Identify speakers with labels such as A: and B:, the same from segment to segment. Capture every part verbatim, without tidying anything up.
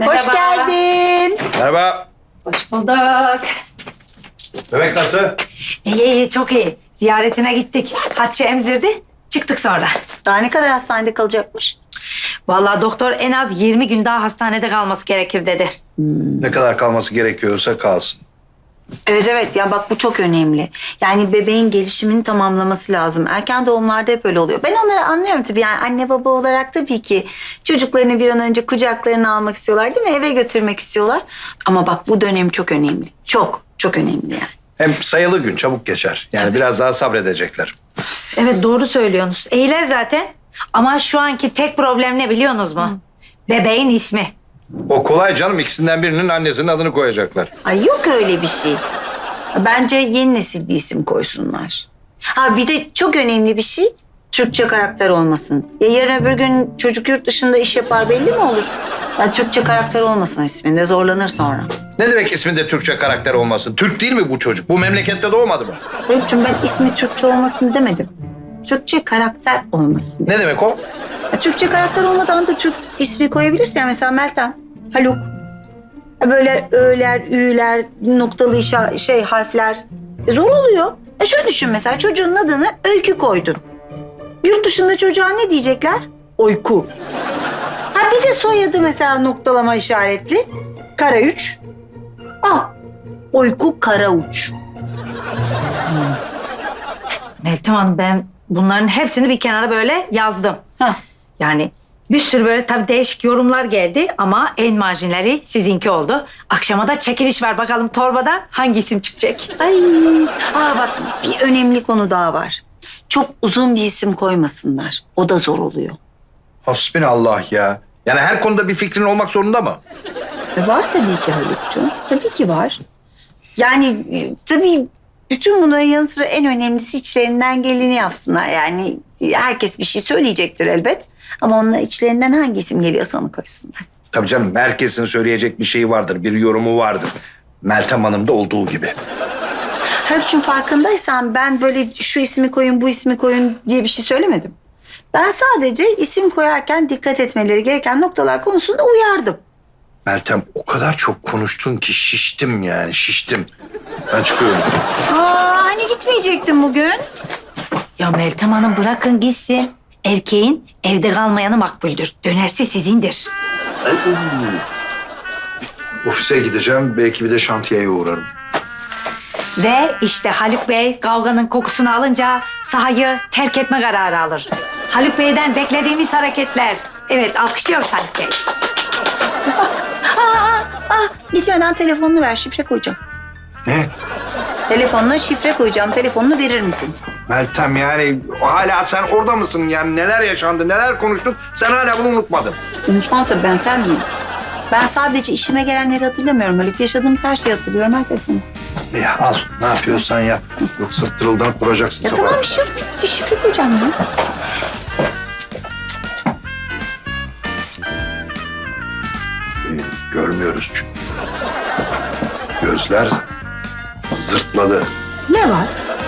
A: Merhaba.
B: Hoş geldin.
C: Merhaba.
A: Hoş bulduk.
C: Bebek nasıl?
A: İyi iyi çok iyi. Ziyaretine gittik. Hatice emzirdi. Çıktık sonra.
B: Daha ne kadar hastanede kalacakmış?
A: Vallahi doktor en az yirmi gün daha hastanede kalması gerekir dedi.
C: Ne kadar kalması gerekiyorsa kalsın.
B: Evet evet ya bak bu çok önemli. Yani bebeğin gelişimini tamamlaması lazım. Erken doğumlarda hep öyle oluyor. Ben onları anlıyorum tabii. Yani anne baba olarak tabii ki çocuklarını bir an önce kucaklarına almak istiyorlar değil mi? Eve götürmek istiyorlar. Ama bak bu dönem çok önemli. Çok çok önemli yani.
C: Hem sayılı gün çabuk geçer. Yani biraz daha sabredecekler.
A: Evet doğru söylüyorsunuz. İyiler zaten. Ama şu anki tek problem ne biliyorsunuz mu? Bebeğin ismi.
C: O kolay canım. İkisinden birinin annesinin adını koyacaklar.
B: Ay yok öyle bir şey. Bence yeni nesil bir isim koysunlar. Ha bir de çok önemli bir şey Türkçe karakter olmasın. Ya yarın öbür gün çocuk yurt dışında iş yapar belli mi olur? Yani Türkçe karakter olmasın isminde zorlanır sonra.
C: Ne demek isminde Türkçe karakter olmasın? Türk değil mi bu çocuk? Bu memlekette doğmadı mı?
B: Haluk'cum ben ismi Türkçe olmasın demedim. Türkçe karakter olmasın.
C: Ne demek o?
B: Ya, Türkçe karakter olmadan da Türk ismi koyabilirsin. Yani mesela Meltem, Haluk. Ya böyle ö'ler, ü'ler, noktalı işa, şey harfler. E, zor oluyor. E şöyle düşün mesela çocuğun adını Öykü koydun. Yurt dışında çocuğa ne diyecekler? Oyku. Ha bir de soyadı mesela noktalama işaretli. Kara üç. Al. Oyku Kara Uç.
A: Meltem Hanım ben bunların hepsini bir kenara böyle yazdım.
B: Hah.
A: Yani bir sürü böyle tabii değişik yorumlar geldi ama en marjinali sizinki oldu. Akşama da çekiliş var. Bakalım torbadan hangi isim çıkacak?
B: Ay. Aa bak bir önemli konu daha var. Çok uzun bir isim koymasınlar. O da zor oluyor.
C: Hasbinallah ya. Yani her konuda bir fikrin olmak zorunda mı?
B: E var tabii ki Haluk'cuğum. Tabii ki var. Yani e, tabii bütün bunların yanı sıra en önemlisi içlerinden geleni yapsınlar. Yani herkes bir şey söyleyecektir elbet. Ama onunla içlerinden hangi isim geliyorsa onu koysunlar.
C: Tabii canım. Herkesin söyleyecek bir şeyi vardır. Bir yorumu vardır. Meltem Hanım'da olduğu gibi.
B: Haluk'cuğum farkındaysan ben böyle şu ismi koyun, bu ismi koyun diye bir şey söylemedim. Ben sadece isim koyarken dikkat etmeleri gereken noktalar konusunda uyardım.
C: Meltem o kadar çok konuştun ki şiştim yani şiştim. Ben çıkıyorum.
B: Aa hani gitmeyecektim bugün.
A: Ya Meltem Hanım bırakın gitsin. Erkeğin evde kalmayanı makbuldür. Dönerse sizindir.
C: Ofise gideceğim. Belki bir de şantiyeye uğrarım.
A: Ve işte Haluk Bey kavganın kokusunu alınca sahayı terk etme kararı alır. Haluk Bey'den beklediğimiz hareketler. Evet alkışlıyoruz Haluk Bey.
B: Ah gitmeden telefonunu ver şifre koyacağım.
C: Ne?
B: Telefonuna şifre koyacağım. Telefonunu verir misin?
C: Meltem yani hala sen orada mısın? Yani neler yaşandı, neler konuştuk? Sen hala bunu unutmadın.
B: Unutmam tabii ben sen miyim? Ben sadece işime gelenleri hatırlamıyorum. Haluk yaşadığımız her şeyi hatırlıyorum. Her telefonu.
C: Ya al ne yapıyorsan yap. Yoksa tırıldanıp duracaksın
B: Ya
C: sabah.
B: tamam bir şey yok. Bir şifre koyacağım ya.
C: Ee, görmüyoruz çünkü. Gözler zırtladı.
B: Ne var?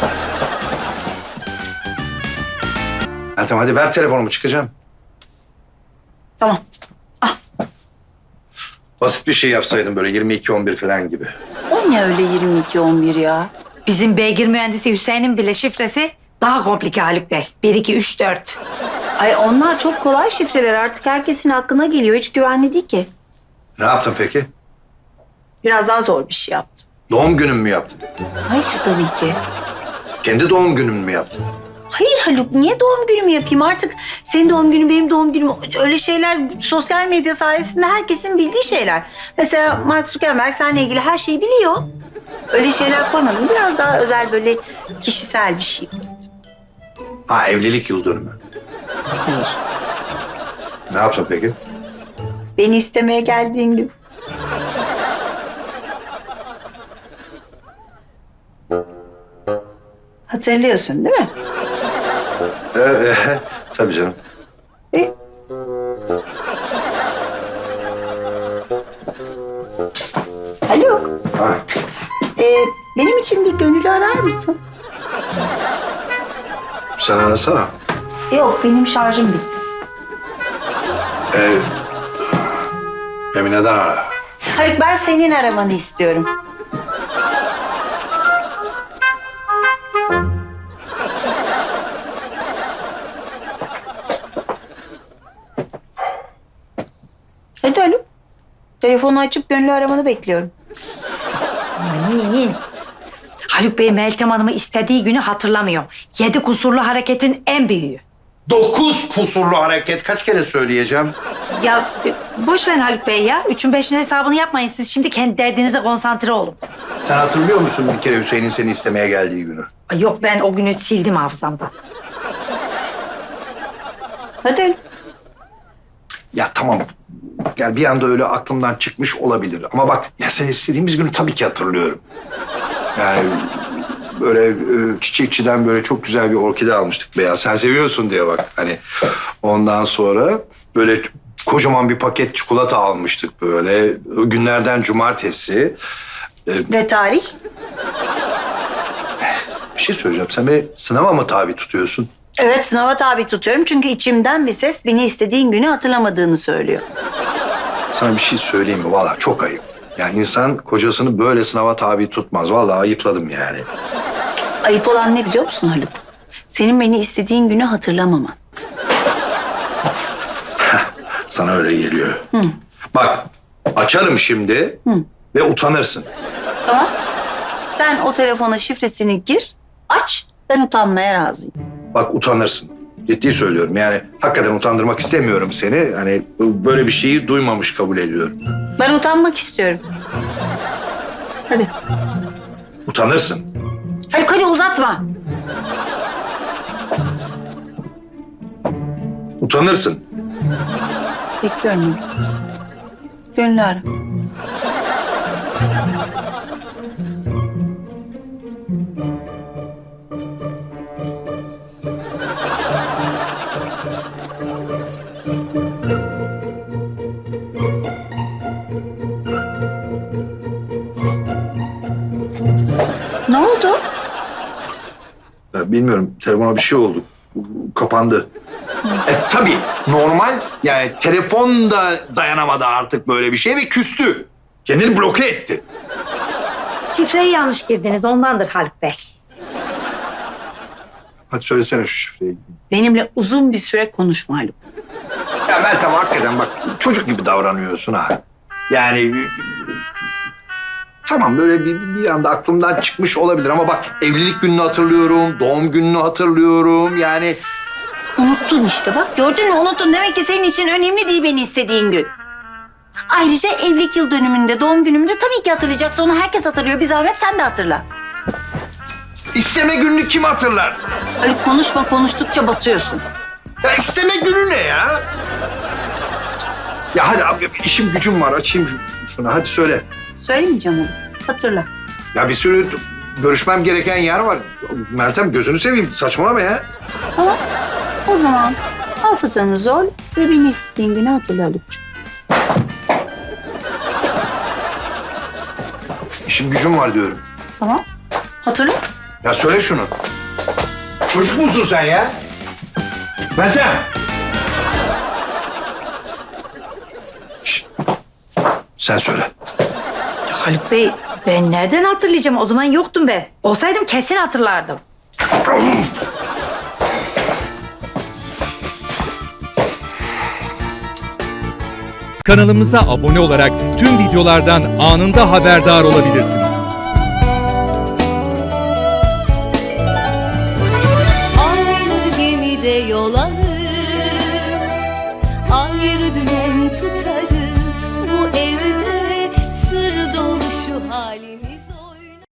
C: Meltem hadi ver telefonumu çıkacağım.
B: Tamam.
C: Basit bir şey yapsaydın böyle yirmi iki on bir falan gibi.
B: O ne öyle yirmi iki on bir ya?
A: Bizim beygir mühendisi Hüseyin'in bile şifresi daha komplike Haluk Bey. Bir, iki, üç, dört.
B: Ay onlar çok kolay şifreler. Artık herkesin aklına geliyor. Hiç güvenli değil ki.
C: Ne yaptın peki?
B: Biraz daha zor bir şey yaptım.
C: Doğum günün mü yaptın?
B: Hayır tabii ki.
C: Kendi doğum günün mü yaptın?
B: Hayır Haluk, niye doğum günümü yapayım? Artık senin doğum günün, benim doğum günüm öyle şeyler sosyal medya sayesinde herkesin bildiği şeyler. Mesela Mark Zuckerberg seninle ilgili her şeyi biliyor. Öyle şeyler koymadım. Biraz daha özel böyle kişisel bir şey.
C: Ha evlilik yıl dönümü.
B: Hayır.
C: Ne yaptın peki?
B: Beni istemeye geldiğin gün. Hatırlıyorsun değil mi?
C: Ee, e, tabii canım.
B: E? Alo.
C: Ha.
B: Ee, benim için bir gönüllü arar mısın?
C: Sen arasana.
B: Yok, benim şarjım bitti.
C: Ee, Emine'den ara.
B: Haluk ben senin aramanı istiyorum. Hadi Haluk. Telefonu açıp gönlü aramanı bekliyorum.
A: Amin. Haluk Bey Meltem Hanım'ı istediği günü hatırlamıyor. Yedi kusurlu hareketin en büyüğü.
C: Dokuz kusurlu hareket. Kaç kere söyleyeceğim?
A: Ya e, boş verin Haluk Bey ya. Üçün beşin hesabını yapmayın. Siz şimdi kendi derdinize konsantre olun.
C: Sen hatırlıyor musun bir kere Hüseyin'in seni istemeye geldiği günü?
A: Ay yok, ben o günü sildim hafızamdan.
B: Hadi Haluk.
C: Ya tamam. Yani bir anda öyle aklımdan çıkmış olabilir. Ama bak ya sen istediğimiz günü tabii ki hatırlıyorum. Yani böyle e, çiçekçiden böyle çok güzel bir orkide almıştık beyaz. Sen seviyorsun diye bak. Hani ondan sonra böyle kocaman bir paket çikolata almıştık böyle. O günlerden cumartesi.
B: Ve tarih?
C: Bir şey söyleyeceğim. Sen beni sınava mı tabi tutuyorsun?
B: Evet sınava tabi tutuyorum çünkü içimden bir ses beni istediğin günü hatırlamadığını söylüyor.
C: Sana bir şey söyleyeyim mi? Vallahi çok ayıp. Yani insan kocasını böyle sınava tabi tutmaz. Vallahi ayıpladım yani.
B: Ayıp olan ne biliyor musun Haluk? Senin beni istediğin günü hatırlamaman.
C: Sana öyle geliyor. Bak açarım şimdi ve utanırsın.
B: Tamam. Sen o telefona şifresini gir, aç. Ben utanmaya razıyım.
C: Bak utanırsın. Ciddi söylüyorum. Yani hakikaten utandırmak istemiyorum seni. Hani böyle bir şeyi duymamış kabul ediyorum.
B: Ben utanmak istiyorum. Hadi.
C: Utanırsın.
B: Haluk hadi uzatma.
C: Utanırsın.
B: Bekliyorum. Gönlü ara. Ne oldu?
C: Ya bilmiyorum. Telefona bir şey oldu. Kapandı. E tabii normal. Yani telefon da dayanamadı artık böyle bir şey ve küstü. Kendini bloke etti.
A: Şifreyi yanlış girdiniz, ondandır Haluk Bey.
C: Hadi söylesene şu şifreyi.
B: Benimle uzun bir süre konuşma Haluk.
C: Ya Meltem hakikaten bak çocuk gibi davranıyorsun ha. Yani tamam böyle bir, bir anda aklımdan çıkmış olabilir ama bak evlilik gününü hatırlıyorum, doğum gününü hatırlıyorum yani.
B: Unuttun işte bak gördün mü unuttun. Demek ki senin için önemli değil beni istediğin gün. Ayrıca evlilik yıl dönümünde, doğum günümde tabii ki hatırlayacaksın. Onu herkes hatırlıyor. Bir zahmet sen de hatırla.
C: İsteme gününü kim hatırlar?
B: Öyle konuşma konuştukça batıyorsun.
C: Ya isteme günü ne ya? Ya hadi abi işim gücüm var açayım şu- şunu hadi söyle.
B: Söylemeyeceğim onu. Hatırla.
C: Ya bir sürü görüşmem gereken yer var. Meltem gözünü seveyim saçmalama ya.
B: Tamam. O zaman hafızanı zorla ve beni istediğin günü hatırla Haluk'cuğum.
C: İşim gücüm var diyorum.
B: Tamam. Hatırla.
C: Ya söyle şunu. Çocuk musun sen ya? Meltem. Şişt. Sen söyle.
A: Haluk Bey, ben nereden hatırlayacağım? O zaman yoktum ben. Olsaydım kesin hatırlardım.
D: Kanalımıza abone olarak tüm videolardan anında haberdar olabilirsiniz.
E: Aynı gemide yol alır, ayrı dümen tutarız.